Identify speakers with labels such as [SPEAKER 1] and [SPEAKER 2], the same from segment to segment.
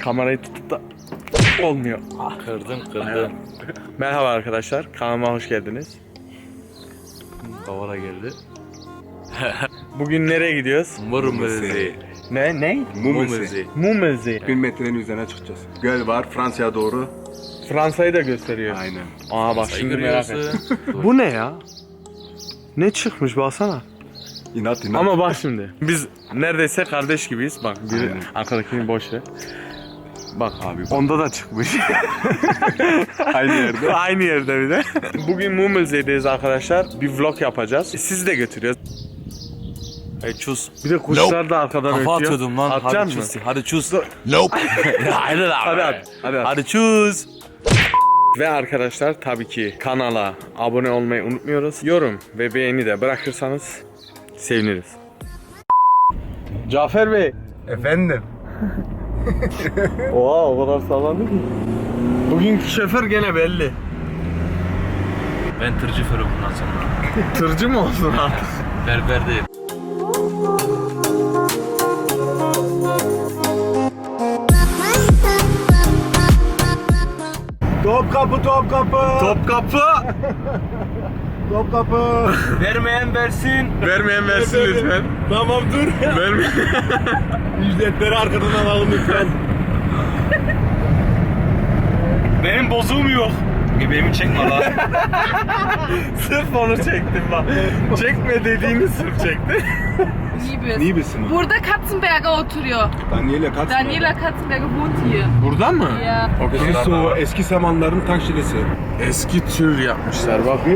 [SPEAKER 1] kamerayı tutup da olmuyor.
[SPEAKER 2] Kırdın.
[SPEAKER 1] Merhaba arkadaşlar, kanalıma hoş geldiniz.
[SPEAKER 2] Kavala geldi.
[SPEAKER 1] Bugün nereye gidiyoruz?
[SPEAKER 2] Murmezi.
[SPEAKER 1] Ne?
[SPEAKER 2] Murmezi.
[SPEAKER 1] Mumezi.
[SPEAKER 3] 1000 metrenin üzerine çıkacağız. Göl var Fransa'ya doğru.
[SPEAKER 1] Fransa'yı da gösteriyor.
[SPEAKER 3] Aynen.
[SPEAKER 1] Aa bak şimdi merak ettim. Bu ne ya? Ne çıkmış baksana.
[SPEAKER 3] İnat.
[SPEAKER 1] Ama bak şimdi. Biz neredeyse kardeş gibiyiz. Bak biri
[SPEAKER 3] Aynen.
[SPEAKER 1] arkadakini boş ver. Bak
[SPEAKER 3] Abi bak.
[SPEAKER 1] onda da çıkmış.
[SPEAKER 3] Aynı yerde.
[SPEAKER 1] Aynı yerde bir de. Bugün Mumelze'deyiz arkadaşlar. Bir vlog yapacağız. Sizi de götürüyoruz.
[SPEAKER 2] Hey çuz.
[SPEAKER 1] Bir de kuşlar da arkadan
[SPEAKER 2] Kafa
[SPEAKER 1] ötüyor.
[SPEAKER 2] atıyordum lan. Hadi
[SPEAKER 1] Atacaksın
[SPEAKER 2] çuz.
[SPEAKER 1] mı?
[SPEAKER 2] Hadi çuz. Nope. Hadi lan.
[SPEAKER 1] Hadi at. Hadi at.
[SPEAKER 2] Hadi çuz.
[SPEAKER 1] Ve arkadaşlar tabii ki kanala abone olmayı unutmuyoruz. Yorum ve beğeni de bırakırsanız seviniriz. Cafer Bey.
[SPEAKER 3] Efendim.
[SPEAKER 1] Oha o kadar sallandı ki. Bugünkü şoför gene belli.
[SPEAKER 2] Ben tırcı fırım bundan sonra.
[SPEAKER 1] Tırcı mı olsun artık?
[SPEAKER 2] Berber değil.
[SPEAKER 3] Topkapı.
[SPEAKER 1] Topkapı.
[SPEAKER 3] Topkapı.
[SPEAKER 2] Vermeyen versin.
[SPEAKER 1] Vermeyen versin lütfen.
[SPEAKER 3] Tamam dur.
[SPEAKER 1] Vermeyen.
[SPEAKER 3] Ücretleri arkadan alalım lütfen.
[SPEAKER 2] Benim bozuğum yok. Benim çekme lan.
[SPEAKER 1] Sırf onu çektim bak. Çekme dediğini sırf çekti.
[SPEAKER 4] Liebes.
[SPEAKER 3] Liebes'in.
[SPEAKER 4] Burada Katzenberger oturuyor.
[SPEAKER 3] Daniela Katz.
[SPEAKER 4] Daniela Katzenberger wohnt hier.
[SPEAKER 1] Burada mı?
[SPEAKER 4] Ja.
[SPEAKER 1] Okey.
[SPEAKER 3] O eski zamanların tank şilesi.
[SPEAKER 1] Eski tür yapmışlar bak.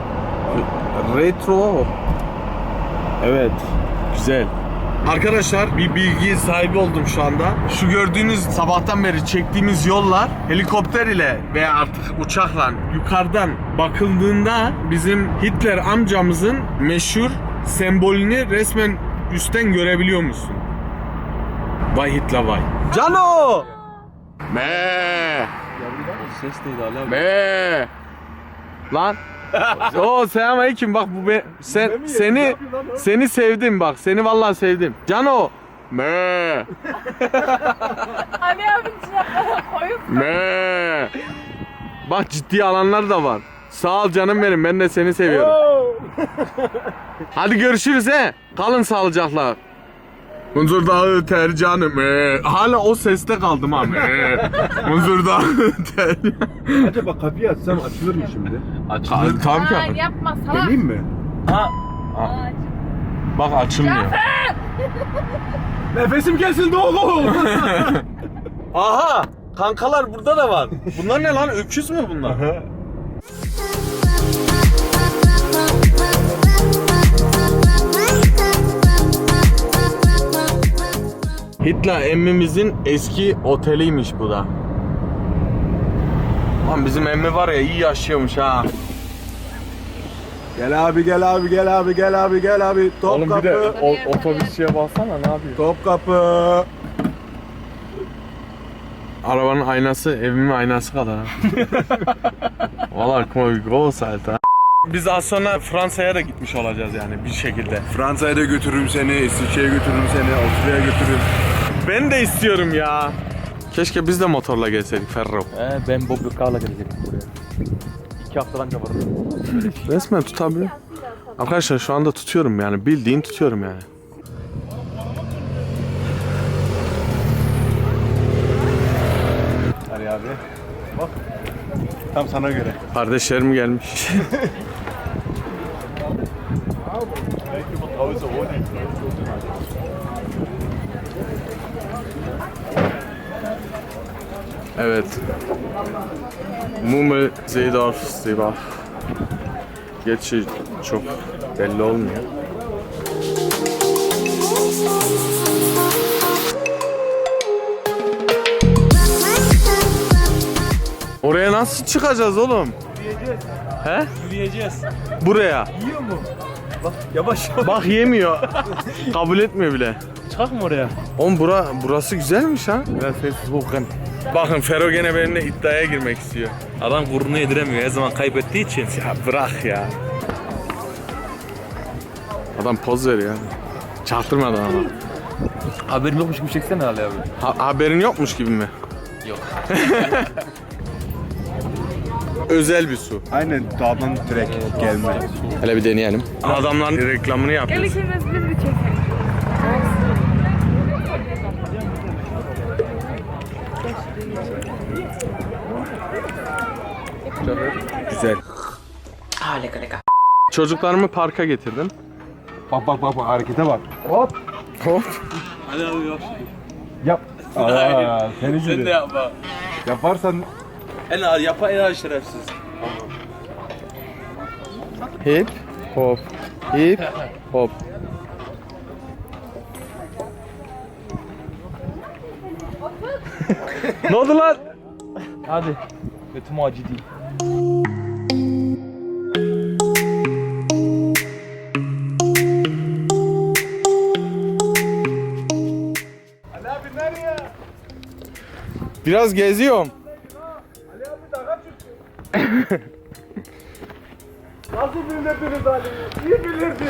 [SPEAKER 1] Retro. Evet. Güzel. Arkadaşlar bir bilgi sahibi oldum şu anda. Şu gördüğünüz sabahtan beri çektiğimiz yollar helikopter ile veya artık uçakla yukarıdan bakıldığında bizim Hitler amcamızın meşhur sembolünü resmen üstten görebiliyor musun? Vay Hitler vay. Cano! Me!
[SPEAKER 2] Ses değil hala.
[SPEAKER 1] Me! Lan! Oo selamünaleyküm bak bu seni sevdim bak seni vallahi sevdim. Cano. Me.
[SPEAKER 4] Ali abinci koyup
[SPEAKER 1] Me. Bak ciddi alanlar da var. Sağ ol canım benim ben de seni seviyorum. Hadi görüşürüz he. Kalın sağlıcakla. Munzur Dağı öter canım. Hala o seste kaldım ha. Munzur Dağı öter.
[SPEAKER 3] Acaba kapıyı açsam açılır mı şimdi?
[SPEAKER 2] Açılır.
[SPEAKER 1] Tamam ki.
[SPEAKER 4] Nein, yapma salak.
[SPEAKER 3] Deneyim mi?
[SPEAKER 1] Bak açılmıyor.
[SPEAKER 3] Nefesim kesildi oğlum.
[SPEAKER 1] Aha! Kankalar burada da var. Bunlar ne lan? Öküz mü bunlar? Hitler emmimizin eski oteliymiş bu da. Lan bizim emmi var ya iyi yaşıyormuş ha.
[SPEAKER 3] Gel abi.
[SPEAKER 1] Oğlum bir de
[SPEAKER 3] Topkapı.
[SPEAKER 1] otobüsçüye baksana ne yapıyor?
[SPEAKER 3] Topkapı.
[SPEAKER 1] Arabanın aynası evimin aynası kadar ha. Valla komik groß Alter. Biz az sonra Fransa'ya da gitmiş olacağız yani bir şekilde.
[SPEAKER 3] Fransa'ya da götürürüm seni, İsviçre'ye götürürüm seni, Avusturya'ya götürürüm.
[SPEAKER 1] Ben de istiyorum ya. Keşke biz de motorla gelseydik Ferro.
[SPEAKER 2] Ben Bob Lucar'la gelecektim buraya. 2 haftadan kabardım.
[SPEAKER 1] Resmen tutabiliyor. Arkadaşlar şu anda tutuyorum yani bildiğin tutuyorum yani.
[SPEAKER 3] Hadi abi. Bak. Tam sana göre.
[SPEAKER 1] Kardeşlerim gelmiş. Evet. Mummel, Seedorf, Seebach. Gerçi çok belli olmuyor. Oraya nasıl çıkacağız oğlum? He?
[SPEAKER 2] Yürüyeceğiz.
[SPEAKER 1] Buraya.
[SPEAKER 2] Yiyor mu? Bak yavaş.
[SPEAKER 1] Bak yemiyor. Kabul etmiyor bile.
[SPEAKER 2] Çıkak mı oraya?
[SPEAKER 1] Oğlum burası güzelmiş ha.
[SPEAKER 2] Biraz sessiz bakın.
[SPEAKER 1] Bakın Fero gene benimle iddiaya girmek istiyor.
[SPEAKER 2] Adam gururunu yediremiyor her zaman kaybettiği için.
[SPEAKER 1] Ya bırak ya. Adam poz veriyor. Çaktırmadan ama.
[SPEAKER 2] Haberim yokmuş gibi çeksene Ali abi.
[SPEAKER 1] Haberin yokmuş gibi mi?
[SPEAKER 2] Yok.
[SPEAKER 1] Özel bir su.
[SPEAKER 3] Aynen dağdan direkt gelme.
[SPEAKER 1] Hele bir deneyelim. Adamların reklamını
[SPEAKER 4] Gel
[SPEAKER 1] yapıyoruz.
[SPEAKER 4] ikimiz biz bir çekelim.
[SPEAKER 1] Güzel. Çocuklarımı parka getirdim.
[SPEAKER 3] Bak harekete bak.
[SPEAKER 1] Hop.
[SPEAKER 2] Hadi abi yap.
[SPEAKER 3] Yap. Aa, seni
[SPEAKER 2] Sen de
[SPEAKER 3] gibi.
[SPEAKER 2] yapma.
[SPEAKER 3] Yaparsan
[SPEAKER 2] En ağır yapan en ağır şerefsiz.
[SPEAKER 1] Hip hop. Hip hop. Ne oldu lan?
[SPEAKER 2] Hadi. Götüm acı değil.
[SPEAKER 1] Biraz geziyorum.
[SPEAKER 3] nasıl bilirdiniz Ali? İyi bilirdin.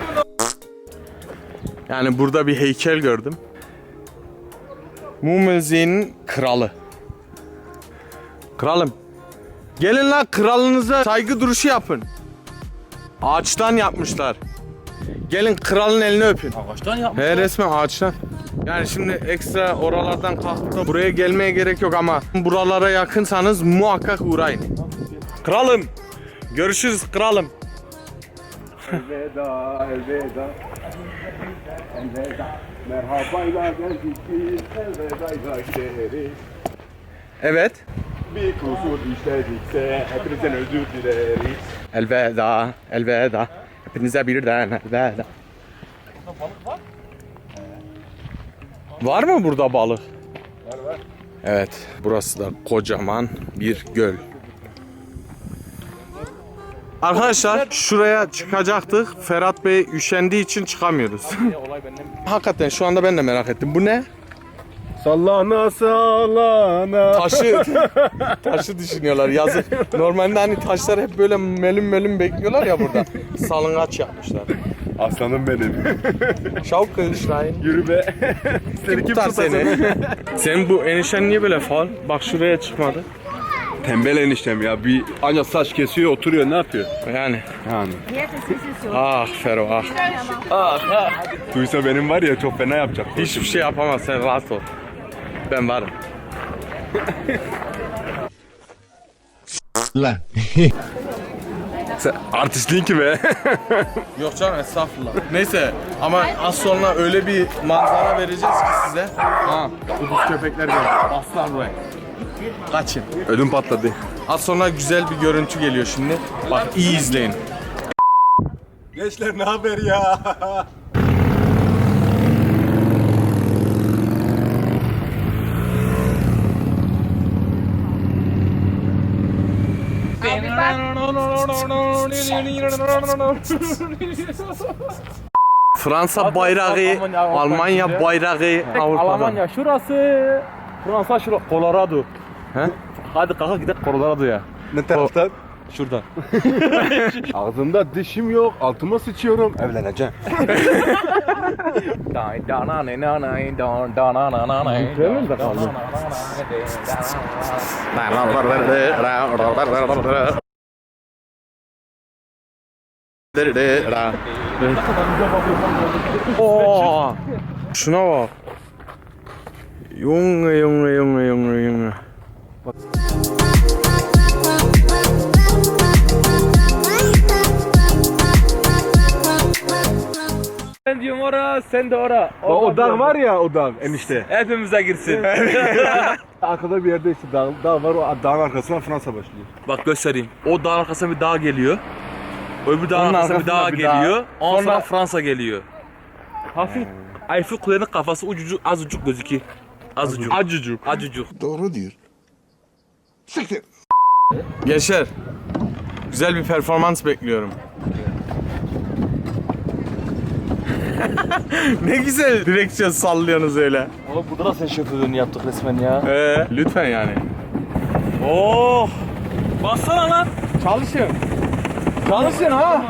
[SPEAKER 1] Yani burada bir heykel gördüm. Mum müziğinin kralı. Kralım. Gelin lan kralınıza saygı duruşu yapın. Ağaçtan yapmışlar. Gelin kralın elini öpün.
[SPEAKER 2] Ağaçtan yapmış.
[SPEAKER 1] He resmen ağaçtan. Yani şimdi ekstra oralardan kalkıp da buraya gelmeye gerek yok ama buralara yakınsanız muhakkak uğrayın. Kralım. Görüşürüz kralım.
[SPEAKER 3] Elveda, elveda. Elveda. Merhabayla geldik biz, elvedayla gideriz.
[SPEAKER 1] Evet.
[SPEAKER 3] Bir kusur işledikse hepinizden özür dileriz.
[SPEAKER 1] Elveda, elveda. Hepinize birden elveda. Var mı burada balık?
[SPEAKER 3] Var.
[SPEAKER 1] Evet, burası da kocaman bir göl. Arkadaşlar şuraya çıkacaktık. Ferhat Bey üşendiği için çıkamıyoruz.
[SPEAKER 2] Olay benden.
[SPEAKER 1] Hakikaten şu anda ben de merak ettim. Bu ne?
[SPEAKER 3] Sallana sallana.
[SPEAKER 1] Taşı düşünüyorlar yazık. Normalde hani taşlar hep böyle melüm bekliyorlar ya burada. Salıngaç yapmışlar.
[SPEAKER 3] Aslanım benim.
[SPEAKER 1] Şavuk kılıçlayın.
[SPEAKER 3] Yürü be. Seni kim
[SPEAKER 1] Tutar
[SPEAKER 3] tutar
[SPEAKER 1] seni. Senin bu enişten niye böyle faal? Bak şuraya çıkmadı.
[SPEAKER 3] Tembel eniştem ya. Bir ancak saç kesiyor, oturuyor, ne yapıyor?
[SPEAKER 1] Yani.
[SPEAKER 3] Yani.
[SPEAKER 1] Ah Fero ah.
[SPEAKER 3] Duysa benim var ya çok fena yapacak.
[SPEAKER 1] Hiçbir şey yapamaz, sen rahat ol. Ben varım.
[SPEAKER 5] Lan.
[SPEAKER 3] Sen artistliğin ki be.
[SPEAKER 1] Yok canım estağfurullah. Neyse ama az sonra öyle bir manzara vereceğiz ki size. Ha, kuduz köpekler geliyor. Baslar buraya. Kaçın.
[SPEAKER 3] Ödüm patladı.
[SPEAKER 1] Az sonra güzel bir görüntü geliyor şimdi. Bak iyi izleyin.
[SPEAKER 3] Gençler ne haber ya?
[SPEAKER 4] Abi bak.
[SPEAKER 1] Fransa bayrağı, Almanya bayrağı Avrupa'da.
[SPEAKER 2] Almanya şurası. Fransa şurası. Colorado.
[SPEAKER 1] He?
[SPEAKER 2] Hadi kalk gidelim Colorado'ya.
[SPEAKER 3] Ne taraftan?
[SPEAKER 2] Şuradan.
[SPEAKER 3] Ağzımda dişim yok, altıma sıçıyorum. Evleneceğim.
[SPEAKER 2] Bitirelim de kaldı.
[SPEAKER 1] Oo, şuna bak. Junge.
[SPEAKER 2] Ben diyorum ora, sen de ora.
[SPEAKER 3] O dağ var ya, o dağ enişte.
[SPEAKER 2] Hepimize girsin.
[SPEAKER 3] Arkada bir yerde işte dağ var, o dağın arkasından Fransa başlıyor.
[SPEAKER 2] Bak göstereyim. O dağın arkasına bir dağ geliyor. Öbür dağın
[SPEAKER 1] Onun
[SPEAKER 2] arkasına bir dağ
[SPEAKER 1] arkasına bir dağ.
[SPEAKER 2] geliyor. Ondan sonra
[SPEAKER 1] Sonra-
[SPEAKER 2] Fransa geliyor. Hafif Eiffel Kule'nin kafası ucucuk azıcık gözüküyor. Azıcık. Acıcık.
[SPEAKER 5] Doğru diyor. Siktir.
[SPEAKER 1] Gençler, güzel bir performans bekliyorum. Ne güzel direksiyon sallıyorsunuz öyle.
[SPEAKER 2] Oğlum burada da sen şoförlüğünü yaptık resmen ya.
[SPEAKER 1] Lütfen yani.
[SPEAKER 2] Oh! Bassana lan.
[SPEAKER 1] Çalışın. Çalışın ha.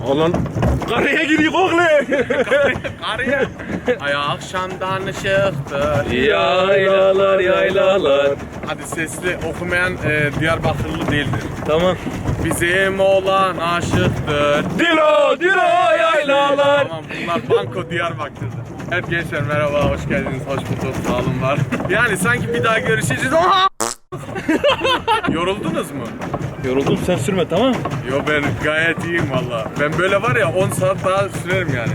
[SPEAKER 2] Olan karaya gidiyor oğlum.
[SPEAKER 1] Araya. Ay akşamdan ışıktır.
[SPEAKER 2] Yaylalar yaylalar.
[SPEAKER 1] Hadi sesli okumayan Diyarbakırlı değildir.
[SPEAKER 2] Tamam.
[SPEAKER 1] Bizim oğlan aşıktır.
[SPEAKER 2] Dilo dilo yaylalar.
[SPEAKER 1] Tamam bunlar Banko Diyarbakır'dır. Evet gençler merhaba, hoş geldiniz, hoş bulduk, sağ olun var. Yani sanki bir daha görüşeceğiz. Oha! Yoruldunuz mu?
[SPEAKER 2] Yoruldum sen sürme tamam.
[SPEAKER 1] Yo ben gayet iyiyim valla. Ben böyle var ya 10 saat daha sürerim yani.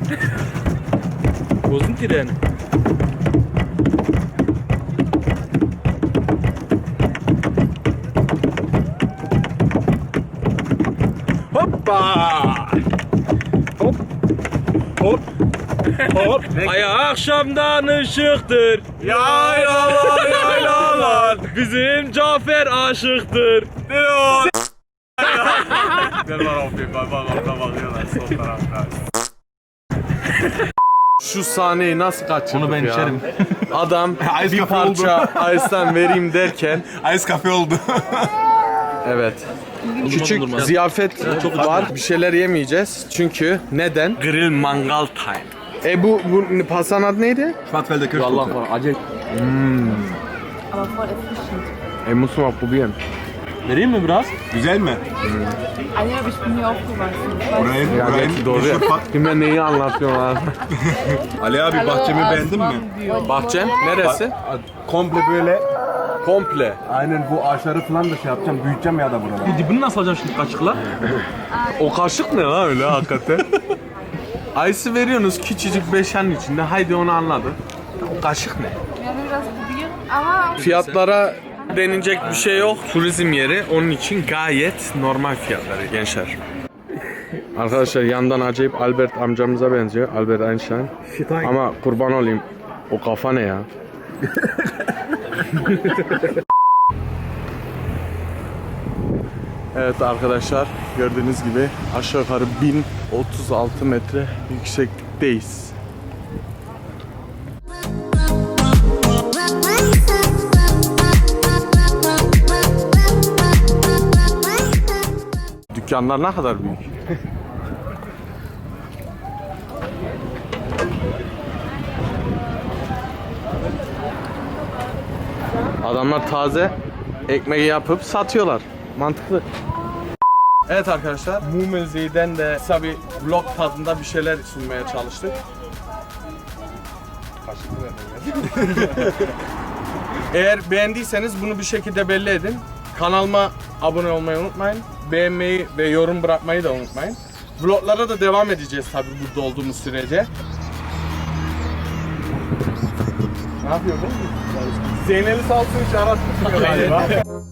[SPEAKER 2] Bozdun treni.
[SPEAKER 3] Hoppa! Hop! Hop! Hop!
[SPEAKER 2] Ay akşamdan ışıktır.
[SPEAKER 1] Yaylalar yaylalar.
[SPEAKER 2] Bizim Cafer aşıktır.
[SPEAKER 1] Diyor. Gel var abi, bak orada bakıyorlar sol tarafta. Şu sahneyi nasıl kaçırdık
[SPEAKER 2] Onu ben
[SPEAKER 1] ya?
[SPEAKER 2] içerim.
[SPEAKER 1] Adam
[SPEAKER 3] Ice
[SPEAKER 1] bir
[SPEAKER 3] cafe
[SPEAKER 1] parça Ice'den vereyim derken
[SPEAKER 3] Ice cafe oldu.
[SPEAKER 1] evet. Küçük
[SPEAKER 2] dondurma.
[SPEAKER 1] ziyafet var. Bir şeyler yemeyeceğiz. Çünkü neden? Grill mangal time. Bu pastanın adı neydi?
[SPEAKER 3] Schwarzwälder Kirschtorte.
[SPEAKER 2] acayip.
[SPEAKER 4] Aber voll erfrischend.
[SPEAKER 1] Muss mal probieren.
[SPEAKER 2] Vereyim mi biraz?
[SPEAKER 3] Güzel mi?
[SPEAKER 4] Ali abi ich bin hier aufgewachsen.
[SPEAKER 3] Burayı,
[SPEAKER 1] Ya belki doğru ya. Kime neyi anlatıyorlar?
[SPEAKER 3] Ali abi bahçemi beğendin mi?
[SPEAKER 1] Bahçem neresi?
[SPEAKER 3] Komple böyle.
[SPEAKER 1] Komple.
[SPEAKER 3] Aynen bu ağaçları falan da şey yapacağım, büyüteceğim ya da buraları.
[SPEAKER 2] Bu dibini nasıl alacağım şimdi kaşıkla?
[SPEAKER 1] O kaşık ne lan öyle hakikaten? Ice'ı veriyorsunuz küçücük beşenin içinde. Haydi onu anladık. O kaşık ne?
[SPEAKER 4] Ja, will das probieren? Aber
[SPEAKER 1] Fiyatlara denilecek bir şey yok. Turizm yeri. Onun için gayet normal fiyatları gençler. Arkadaşlar yandan acayip Albert amcamıza benziyor. Albert Einstein. Ama kurban olayım. O kafa ne ya? Evet arkadaşlar gördüğünüz gibi aşağı yukarı 1036 metre yükseklikteyiz. Dükkanlar ne kadar büyük. Adamlar taze ekmeği yapıp satıyorlar. Mantıklı. Evet arkadaşlar, Mumezzi'den de kısa bir vlog tadında bir şeyler sunmaya çalıştık. Eğer beğendiyseniz bunu bir şekilde belli edin. Kanalıma abone olmayı unutmayın. Beğenmeyi ve yorum bırakmayı da unutmayın. Vloglara da devam edeceğiz tabii burada olduğumuz sürece. Ne yapıyor bu? Zeynel'i salsın hiç aratmıyor galiba.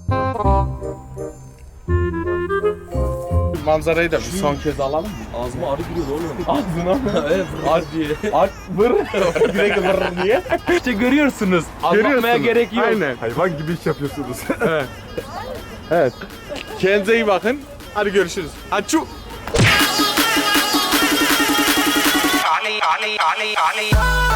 [SPEAKER 1] Manzarayı da bir son kez alalım mı?
[SPEAKER 2] Ağzıma arı giriyor oğlum.
[SPEAKER 1] Ağzına mı?
[SPEAKER 2] Evet vır diye.
[SPEAKER 1] Vır. Direkt vır diye.
[SPEAKER 2] İşte görüyorsunuz. Anlatmaya gerek yok.
[SPEAKER 1] Aynen.
[SPEAKER 3] Hayvan gibi iş yapıyorsunuz.
[SPEAKER 1] Evet. Kendinize iyi bakın. Hadi görüşürüz. Açu.
[SPEAKER 6] Ali, Ali, Ali, Ali.